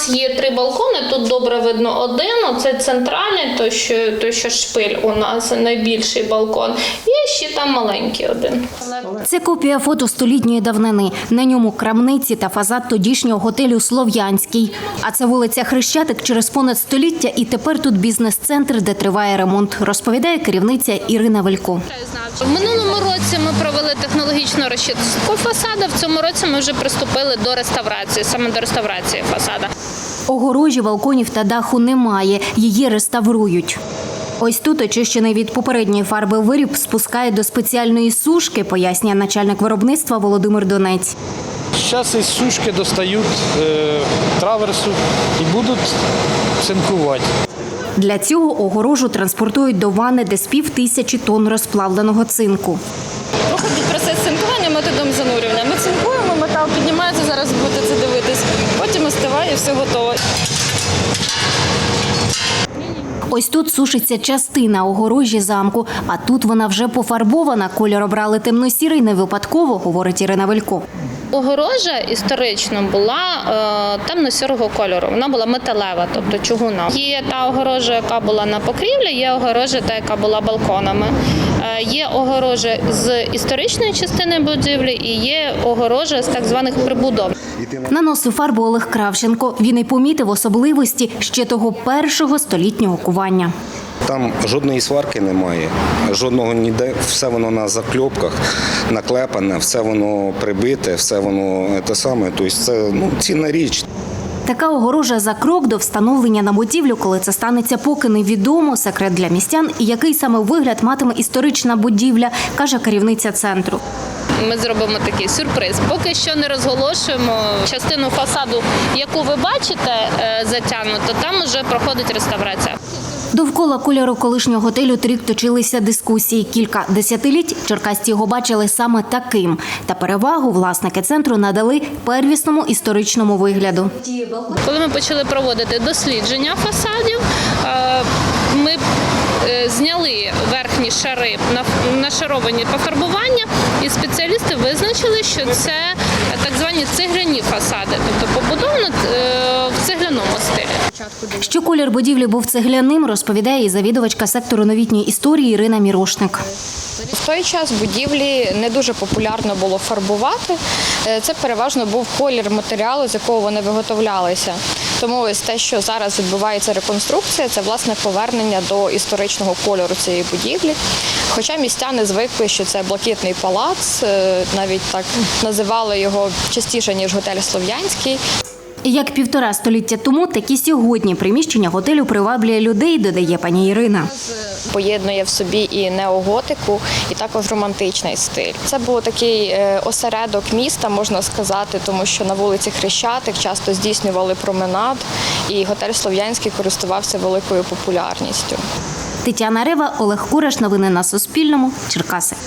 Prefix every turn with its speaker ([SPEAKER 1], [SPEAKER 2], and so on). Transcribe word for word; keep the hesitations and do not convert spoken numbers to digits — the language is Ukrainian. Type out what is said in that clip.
[SPEAKER 1] нас є три балкони, тут добре видно один, оце центральний, той що, той, що шпиль у нас, найбільший балкон. Є ще там маленький один.
[SPEAKER 2] Це копія фото столітньої давнини. На ньому крамниці та фасад тодішнього готелю «Слов'янський». А це вулиця Хрещатик через понад століття, і тепер тут бізнес-центр, де триває ремонт, розповідає керівниця Ірина Велько.
[SPEAKER 1] В минулому році ми провели технологічну розчистку фасаду, в цьому році ми вже приступили до реставрації, саме до реставрації фасаду.
[SPEAKER 2] Огорожі, балконів та даху немає, її реставрують. Ось тут очищений від попередньої фарби виріб спускає до спеціальної сушки, пояснює начальник виробництва Володимир Донець.
[SPEAKER 3] Зараз із сушки достають е, траверсу і будуть цинкувати.
[SPEAKER 2] Для цього огорожу транспортують до ванни, де з пів тисячі тонн розплавленого цинку.
[SPEAKER 4] Проходить процес цинкування методом занурювання. Ми цинкуємо, метал піднімається, зараз будете це дивитись, потім остиває, все готово.
[SPEAKER 2] Ось тут сушиться частина огорожі замку, а тут вона вже пофарбована. Кольор обрали темно-сірий не випадково, говорить Ірина Велько.
[SPEAKER 1] Огорожа історично була е, темно-сірого кольору, вона була металева, тобто чугуна. Є та огорожа, яка була на покрівлі, є огорожа, та, яка була балконами. Е, є огорожа з історичної частини будівлі і є огорожа з так званих прибудов.
[SPEAKER 2] Наносив фарбу Олег Кравченко. Він і помітив особливості ще того першого столітнього кування.
[SPEAKER 5] Там жодної сварки немає, жодного ніде, все воно на закльопках, наклепане, все воно прибите, все воно те саме, тобто це ну, цінна річ.
[SPEAKER 2] Така огорожа за крок до встановлення на будівлю, коли це станеться, поки невідомо, секрет для містян, і який саме вигляд матиме історична будівля, каже керівниця центру.
[SPEAKER 1] Ми зробимо такий сюрприз. Поки що не розголошуємо частину фасаду, яку ви бачите затягнуто, там вже проходить реставрація.
[SPEAKER 2] Довкола кольору колишнього готелю торік точилися дискусії. Кілька десятиліть черкасці його бачили саме таким. Та перевагу власники центру надали первісному історичному вигляду.
[SPEAKER 1] Коли ми почали проводити дослідження фасадів, ми зняли верхні шари, нашаровані пофарбування, і спеціалісти визначили, що це так звані цегляні фасади, тобто побудовано в цегляному стилі.
[SPEAKER 2] Що колір будівлі був цегляним, розповідає і завідувачка сектору новітньої історії Ірина Мірошник.
[SPEAKER 4] В той час будівлі не дуже популярно було фарбувати. Це переважно був колір матеріалу, з якого вони виготовлялися. Тому ось те, що зараз відбувається реконструкція, це власне повернення до історичного кольору цієї будівлі. Хоча містяни звикли, що це блакитний палац, навіть так називали його частіше, ніж готель «Слов'янський».
[SPEAKER 2] Як півтора століття тому, так і сьогодні приміщення готелю приваблює людей, додає пані Ірина.
[SPEAKER 4] Поєднує в собі і неоготику, і також романтичний стиль. Це був такий осередок міста, можна сказати, тому що на вулиці Хрещатик часто здійснювали променад, і готель «Слов'янський» користувався великою популярністю.
[SPEAKER 2] Тетяна Рева, Олег Кураш. Новини на Суспільному. Черкаси.